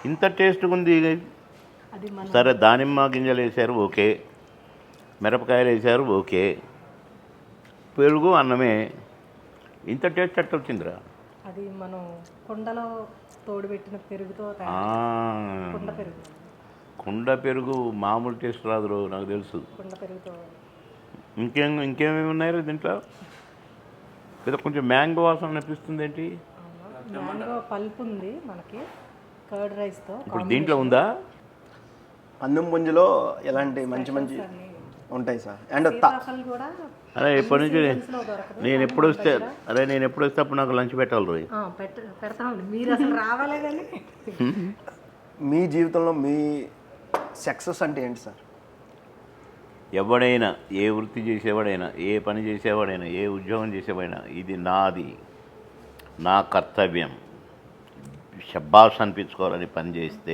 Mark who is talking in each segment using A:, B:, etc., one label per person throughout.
A: ఇంత టేస్ట్గా ఉంది. సరే దానిమ్మ గింజలు వేసారు ఓకే, మిరపకాయలు వేసారు ఓకే, పెరుగు అన్నమే, ఇంత టేస్ట్ ఎట్ట వచ్చిందిరా?
B: అది మనం కుండలో తోడుపెట్టిన పెరుగుతో కుండ పెరుగు.
A: కుండ పెరుగు మామూలు టేస్ట్ రాదు, నాకు తెలుసు.
B: కుండ పెరుగుతో
A: ఇంకేమేమి ఉన్నాయి దీంట్లో? లేదా కొంచెం మ్యాంగో వాసన అనిపిస్తుంది ఏంటి?
B: మ్యాంగో పల్ప్ ఉంది మనకి కర్డ్ రైస్తో.
A: ఇప్పుడు దీంట్లో ఉందా?
C: అన్నం పుంజులో ఎలాంటి మంచి మంచి ఉంటాయి సార్. అండ్
B: కూడా
A: అరే ఎప్పటి నుంచి నేను ఎప్పుడు వస్తే అప్పుడు నాకు లంచ్ పెట్టాలి రోజు.
B: పెడతామండి, మీరు అసలు రావాలే కానీ.
C: మీ జీవితంలో మీ సక్సెస్ అంటే ఏంటి సార్?
A: ఎవడైనా, ఏ వృత్తి చేసేవాడైనా, ఏ పని చేసేవాడైనా, ఏ ఉద్యోగం చేసేవాడైనా, ఇది నాది, నా కర్తవ్యం, షబ్బాస్ అనిపించుకోవాలని పనిచేస్తే,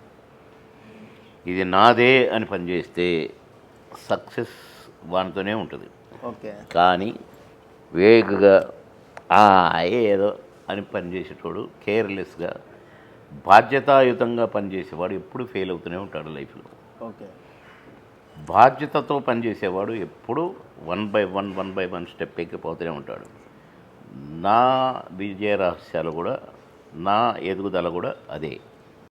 A: ఇది నాదే అని పనిచేస్తే సక్సెస్ వానితోనే ఉంటుంది.
C: ఓకే.
A: కానీ వేగగా ఏదో అని పనిచేసేటోడు, కేర్లెస్గా బాధ్యతాయుతంగా పనిచేసేవాడు ఎప్పుడు ఫెయిల్ అవుతూనే ఉంటాడు లైఫ్లో.
C: ఓకే.
A: బాధ్యతతో పనిచేసేవాడు ఎప్పుడు వన్ బై వన్ స్టెప్ ఎక్కిపోతూనే ఉంటాడు. నా విజయ రహస్యాలు కూడా, నా ఎదుగుదల కూడా అదే.